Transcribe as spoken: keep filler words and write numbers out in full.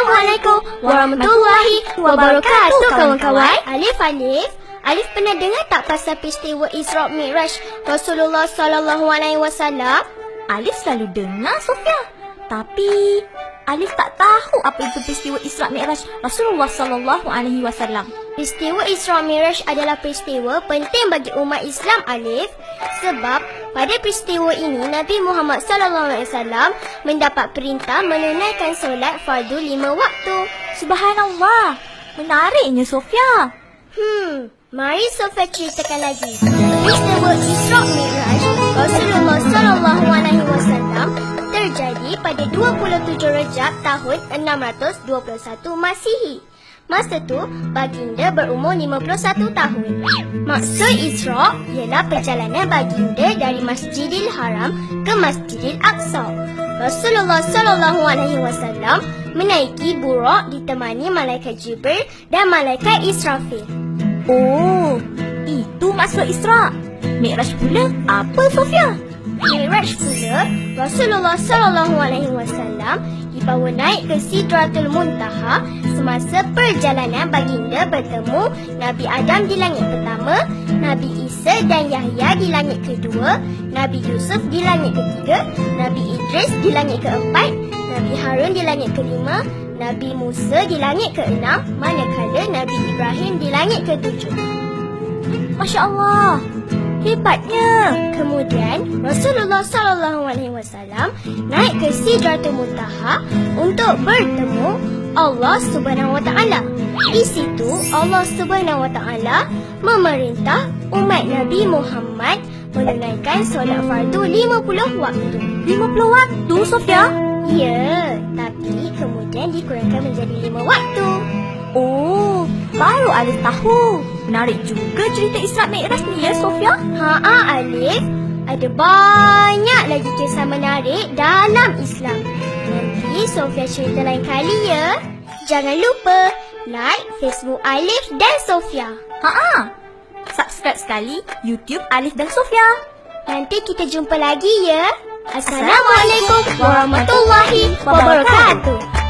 Assalamualaikum warahmatullahi wabarakatuh kawan-kawan. Alif Alif Alif pernah dengar tak pasal peristiwa Isra Mi'raj Rasulullah sallallahu alaihi wasallam? Alif selalu dengar, Sofia. Tapi Alif tak tahu apa itu peristiwa Isra Mi'raj Rasulullah sallallahu alaihi wasallam. Peristiwa Isra Mi'raj adalah peristiwa penting bagi umat Islam, Alif. Sebab pada peristiwa ini Nabi Muhammad sallallahu alaihi wasallam mendapat perintah menunaikan solat fardu lima waktu. Subhanallah. Menariknya, Sofia. Hmm, mari Sofia ceritakan lagi. Peristiwa Isra Mi'raj Rasulullah sallallahu alaihi wasallam terjadi pada dua puluh tujuh Rejab tahun enam ratus dua puluh satu Masihi. Masa tu, baginda berumur lima puluh satu tahun. Maksud Isra ialah perjalanan baginda dari Masjidil Haram ke Masjidil Aqsa. Rasulullah sallallahu alaihi wasallam menaiki buraq ditemani malaikat Jibril dan malaikat Israfil. Oh, itu maksud Isra. Mi'raj pula apa, Sofia? Mi'raj pula, Rasulullah sallallahu alaihi wasallam dibawa naik ke Sidratul Muntaha semasa perjalanan baginda bertemu Nabi Adam di langit pertama, Nabi Isa dan Yahya di langit kedua, Nabi Yusuf di langit ketiga, Nabi Idris di langit keempat, Nabi Harun di langit kelima, Nabi Musa di langit keenam, manakala Nabi Ibrahim di langit ketujuh. Masya Allah. Hebatnya. Kemudian Rasulullah sallallahu alaihi wasallam naik ke Sidratul Muntaha untuk bertemu Allah Subhanahu wa taala. Di situ Allah Subhanahu wa taala memerintah umat Nabi Muhammad menunaikan solat fardu lima puluh waktu. lima puluh waktu, Sofia? Ya, tapi kemudian dikurangkan menjadi lima waktu. Oh, baru Alif tahu. Menarik juga cerita Isra Mi'raj ni, ya, Sofia? Haa, Alif. Ada banyak lagi kisah menarik dalam Islam. Nanti Sofia cerita lain kali, ya. Jangan lupa like Facebook Alif dan Sofia. Haa. Subscribe sekali YouTube Alif dan Sofia. Nanti kita jumpa lagi, ya. Assalamualaikum warahmatullahi wabarakatuh.